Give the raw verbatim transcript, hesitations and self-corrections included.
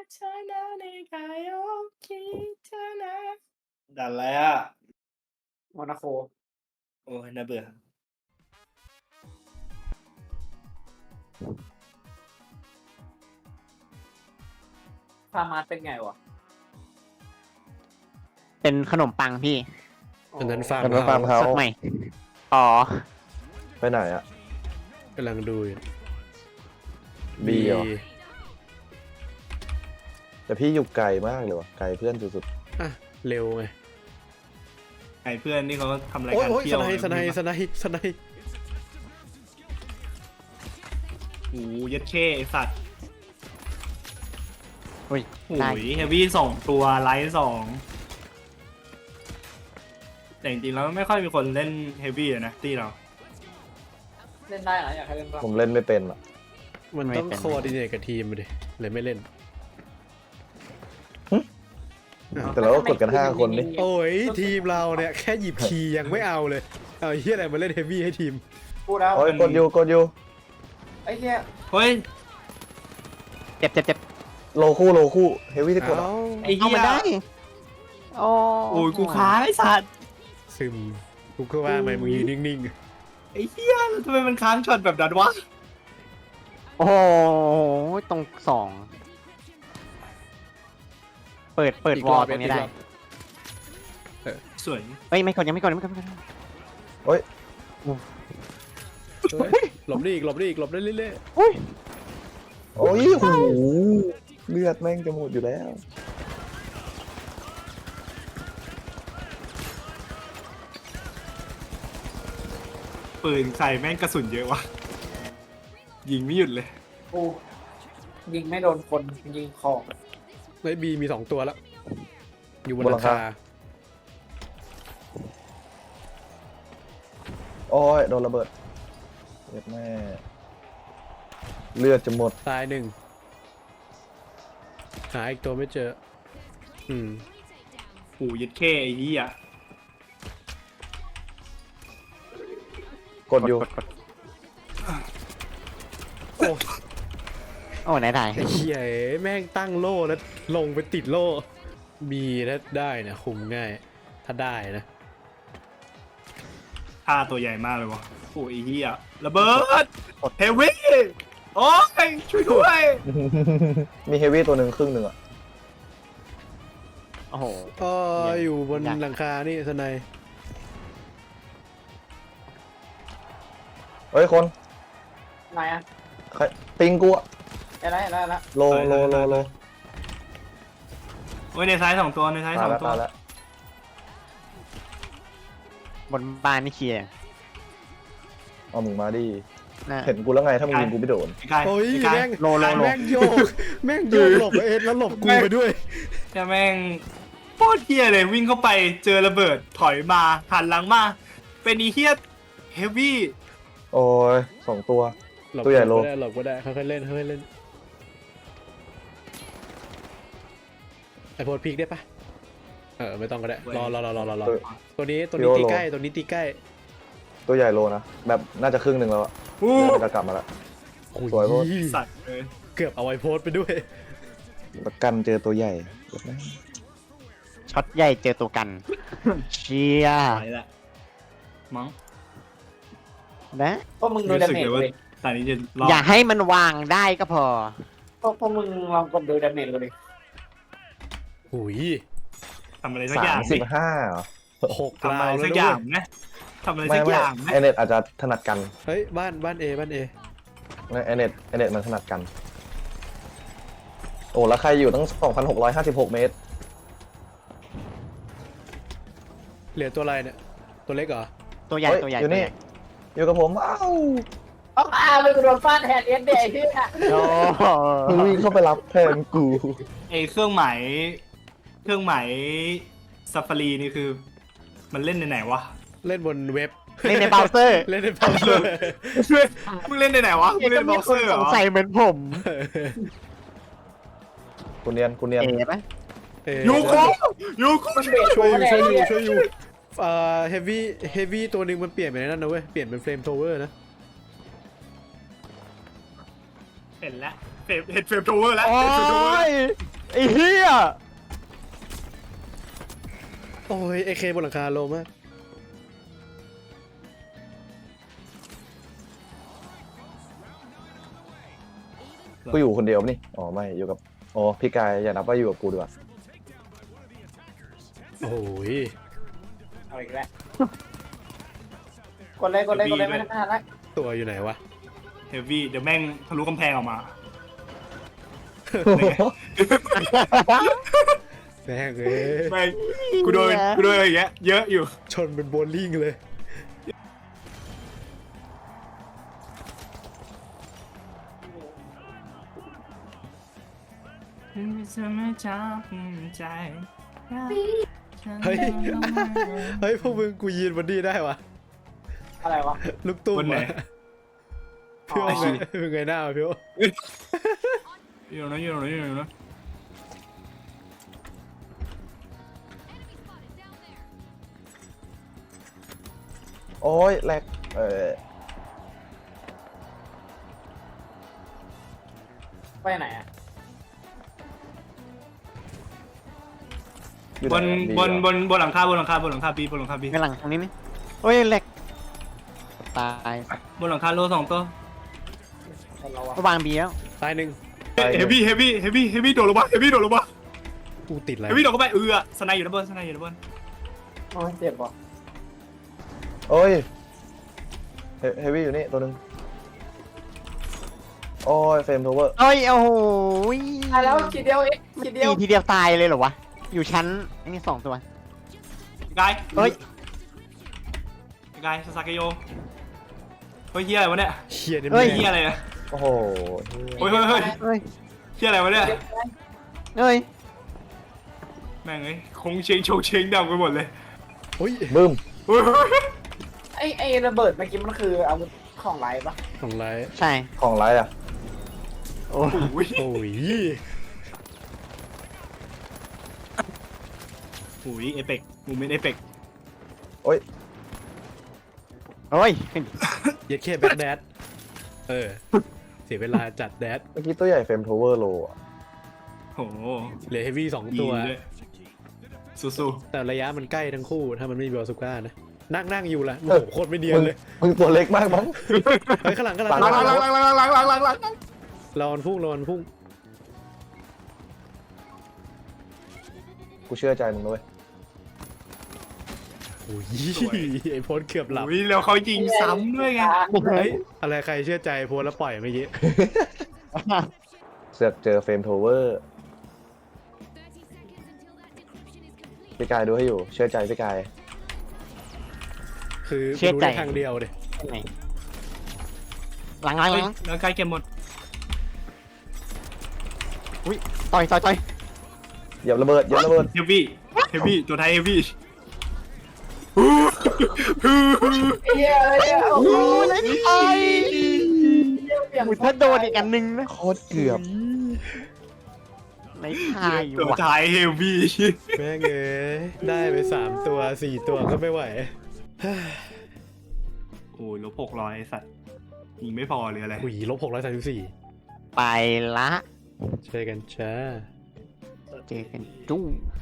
ชนะในกายคิชนะดันแล้วโมนาโคโอ้ยน่าเบื่อฟาร์มาสเป็นไงวะเป็นขนมปังพี่อันนั้นฟาร์มอันนั้นฟาร์มเฮาสดใหม่ อ๋อไปไหนอะกำลังดูอยู่บีเหรอ แต่พี่อยู่ไกลมากเลยวะไกลเพื่อนสุดอ่ะเร็วไงไอ้เพื่อนนี่เขาทำรายโอ้ยการโอ้ยเที่สยวไนด์สไนด์สไนด์สไนด์โอ้ยยัดเข้ไอ้สัตว์อุ้ยโอ้ได้ยเฮฟวี่สองตัวไลท์สองแต่จริงๆแล้วไม่ค่อยมีคนเล่นเฮฟวี่นะตีเราเล่นได้เหรออยากให้เล่นบ้างๆ ผมเล่นไม่เป็นอะมันต้องโคดิเนตกับทีมมาดิเลยไม่เล่นแต่เราก็กดกันห้าคนนี่โอ้ยทีมเราเนี่ยแค่หยิบคีย์ยังไม่เอาเลย เอาเฮียอะไรมาเล่นเฮฟวี่ให้ทีมพูดแล้วโอ้ยกดอยู่กดอยู่ไอ้เหี้ยเฮ้ยเจ็บเจ็บเจ็บโลคู่โลคู่เฮฟวี่ที่กดอะเอาไอ้เอาเหี้มันยได้โอ้โอ้ยกูค้างไอ้สัตว์ซึมกูก็ว่าทำไมมึงยืนนิ่งไอ้เหี้ยทำไมมันค้างช็อตแบบนั้นวะโอ้โหตรงสอง เปิด เปิดอีกวรออลบตรงนี้ได้อีกรอบสวยเฮ้ย ไม่กดยังไม่กดยังไม่กดยังไม่กดโอ้ยๆเฮ้ยหลบได้อีกหลบได้อีกหลบได้เรื่อยอุ้ยโอ้ยโอ้โหเลือดแม่งจะหมดอยู่แล้วปืนใส่แม่งกระสุนเยอะวะยิงไม่หยุดเลยกูยิงไม่โดนคนยิงของๆไอ้บีมีสองตัวแล้ว อยู่บนบนหหลัลังงคาคาโอ้ยโดนระเบิดเลือดแม่เลือดจะหมดตายหนึ่งหาอีกตัวไม่เจอ อืมโอ้ยยัดเข้ไอ้เหี้ยกดอยู่กดกดโอ้โอ้ไหนได้ไอ้เหี้ยแม่งตั้งโล่แล้วลงไปติดโล่บีถ้าได้นะคุมง่าย ถ้าได้นะท่าตัวใหญ่มากเลยวะโอ้ยไอ้เหี้ยระเบิดเฮฟวี่โอ้ยช่วยด้วยมีเฮฟวี่ตัวหนึ่งครึ่งหนึ่งอะโอ้โหก็อยู่บนอยากหลังคานี่สไนยเฮ้ยคนไหนอะใครปิงกูอะไอ้ไรไอ้ไรไอ้ไรโลโลโลโลโอ้ยในซ้ายสองตัวในซ้ายสตาอย งแล้วตัวตายแล้วบนบ้านนี่เคลียร์เอามึงมาดินะเห็นกูแล้วไงถ้ามึงยิงกูไม่โดนใกล้โอ้ยใกล้แม่งโลโลโลแม่งโยกแม่งโยกหลบเอ็ดแล้วหลบกูไปด้วยจะแม่งโคตรเฮี้ยเลยวิ่งเข้าไปเจอระเบิดถอยมาหันหลังมาเป็นอีเฮี้ยเฮฟวี่โอ้ยสองตัวหลบตัวใหญ่โลก็ได้หลบก็ได้ค่อยๆเล่นค่อยๆเล่นไอโพดพีกได้ปะเออไม่ต้องก็ได้รอรอรอรอรอรอตัวตัวนี้ตัวนี้โยโลตีใกล้ตัวนี้ตีใกล้ตัวใหญ่โลนะแบบน่าจะครึ่งหนึ่งแล้วอะอู้น่าจะกลับมาแล้วโอ้สวยโพดสัตว์เลยเกือบเอาไอโพดไปด้วยประกันเจอตัวใหญ่ช็อตใหญ่เจอตัวกัน เชียร์ไปละมั้งนะพวกมึงดูรู้ดาสึกเมจเลยว่าเลยตอนนี้จะรอดอย่าให้มันวางได้ก็พอพวกพวกมึงลองกดดูดาเมจเลยหุยทำอะไรสักอสาย่างมสิบห้าเหรอหกทำราวอะไรแล้สัวกด้อวย่าย งนะทำอะไรไม่สักไม่อย่างนะไอเน็ตอาจจะถนัดกันเฮ้ยบ้านบ้านเอบ้านเอไอเน็ตไอเน็ตมันถนัดกัน โอ้แล้วใครอยู่ตั้ง สองพันหกร้อยห้าสิบหก เมตรเหลือตัวอะไรเนี่ยตัวเล็กเหรอตัวใหญ่เฮ้ยตัวใหญ่อยู่นี่ตัวใหญ่อยู่กับผมอ้าวเอาอาไปกูโดนฟาดแทนเอ็นเดย์ที่อะโอ้โหมึงวิ่งเข้าไปรับแทนกูไอเครื่องหมายเครื่องหมายซัฟฟารีนี่คือ มันเล่นในไหนวะเล่นบนเว็บเล่นในเบราว์เซอร์เล่นในเบราว์เซอร์มึงเล่นในไหนวะมึงเล่นเบราว์เซอร์เหรสองสัยเหมือนผมกูเนียนกูเนียนเอ๋ปะเอ่อยูโคยูโคช่วยช่วยอยู่ช่วยอยู่ช่วยอยู่เอ่อเฮฟวี่เฮฟวี่ตัวหนึ่งมันเปลี่ยนไปในนั่นนะเว้ยเปลี่ยนเป็นเฟรมโทเวอร์นะเห็นแล้วเฟรมเห็นเฟรมโทเวอร์แล้วโอ้เห็นเฟรมโทเวอร์ยไอ้เหี้ยโอ้ยเอเคบนหลังคาโลมากกูอยู่คนเดียวปะนี่อ๋อไม่อยู่กับโอ้พี่กายอย่านับว่าอยู่กับกูดีกว่าโอ้ยเอาอีกแล้วกดเลยกดเลยกดเลยไม่ทันแล้วตัวอยู่ไหนวะเฮฟวี่เดี๋ยวแม่งทะลุกำแพงออกมาแม่งเอ้ยแม่งกูโดนกูโดนอะไรอย่างเงี้ยเยอะอยู่ชนเป็นโบว์ลิ่งเลยใจเฮ้ย เฮ้ยพวกมึงกูยืนบนนี่ได้วะอะไรวะลูกตุ้มบนไหนอะพี่โอ้อ๋อไงมึงไงหน้าพี่โอ้อยู่ตรงนั้นอยู่ตรงนั้นอยู่ตรงนั้นโอ้ยแลกเออไปไหนอ่ะอยู่บนไหอะบนดีบนบนหลังคาบนหลังคาบนหลังคาบีบนหลังคาบีข้างหลังตรงนี้นี่โอ้ยแหลกตายบนหลังคาโลสองตัวคนเราอะก็วางบีแล้วตายหนึ่งเฮฟวี่เฮฟวี่เฮฟวี่เฮฟวี่โดดลงมาเฮฟวี่โดดลงมากูติดอะไรเฮฟวี่โดดเข้าไปเอือสไนอยู่ด้านบนสไนอยู่ด้านบนโอ้ยเจ็บว่ะโอ้ยเฮเฮฟวี่อยู่นี่ตัวหนึงโอ้ยเฟรมโทเวอร์โอ้ยโอ้โหตายแล้วทีเดียวเองทีเดียวตีทีเดียวตายเลยเหรอวะ อยู่ชั้นไอ้นี่สองตัวกายเฮ้ยกายซาซาเกโยเฮ้ยเฮียอะไรวะเนี่ยเฮียนี่เฮ้แม่ยเฮียอะไรเนี่ยโอ้โหโอ้ยเฮ้ยเฮ้ยเฮ้ยเฮียอะไรวะเนี่ยเฮ้ยแม่งเอ้ยคงเชงโชงเชงดำไปหมดเลยโอ้ยบึ้มเฮ้ยเฮ้ยเฮ้ยไอไอระเบิดเมื่อกี้มันคืออาวุธของไรปะของไรใช่ของไรอ่ะโอ้โอ้ยโอ้ยโอ้ยเอเปกมูเมนต์เอเปกโอ้ยโอ้ยขึ้นเย็ดแค่แบ็คแดดเออ เสียเวลาจัดแดดเมื่อกี้ตัวใหญ่เฟรมโทเวอร์โลอ่ะโอ้โหเหลือเฮฟวี่สองดีตัวด้วยสู้แต่ระยะมันใกล้ทั้งคู่ถ้ามันไม่มีบอลสุก้านะ นั่งนั่งอยู่ละโอ้โหโคตรไม่เดียนมึงเลยมึงตัวเล็กมากมั้งเฮ้ยข้างหลังข้างหลังๆหลังหลังหลังหลังหลังหลังหลังหลังหลังรอนพุ่งรอนพุ่งกูเชื่อใจมึงด้วยโอ้ยไอโพสเกือบหลับโอ้ยแล้วเขายิงซ้ำด้วยไงเฮ้ยอะไรใครเชื่อใจโพสแล้วปล่อยเมื่อกี้เสือกเจอเฟรมโทเวอร์พี่กายดูให้อยู่เชื่อใจพี่กายคือเชื่อรู้ใจได้ทางเดียวเลยไหนหลังหลังหเฮ้ยลังแล้วใกล้เกมหมดต่อยต่อยต่อยเหยียบระเบิดเหยียบระเบิดเฮฟวี่เฮฟวี่ตัวไทยเฮฟวี่ไอ้เหี้ยอะไรเนี่ยโอ้โหโอ้ยเลยไอ้เปลี่ยนอุ้ยถ้าโดนอีกอันหนึงนะโคตรเกือบไหนทายอยู่ตัวว่ะไทยเฮฟวี่แม่งเอ้ยได้ไปสามตัวสี่ตัวก็ไม่ไหวโอ้ยลบหกร้อยไอ้สัตว์ยิงไม่พอเลยอะไรหุยลบหกร้อยสามสิบสี่ไปละช่วยกันจ้าเจอกันจุ้ง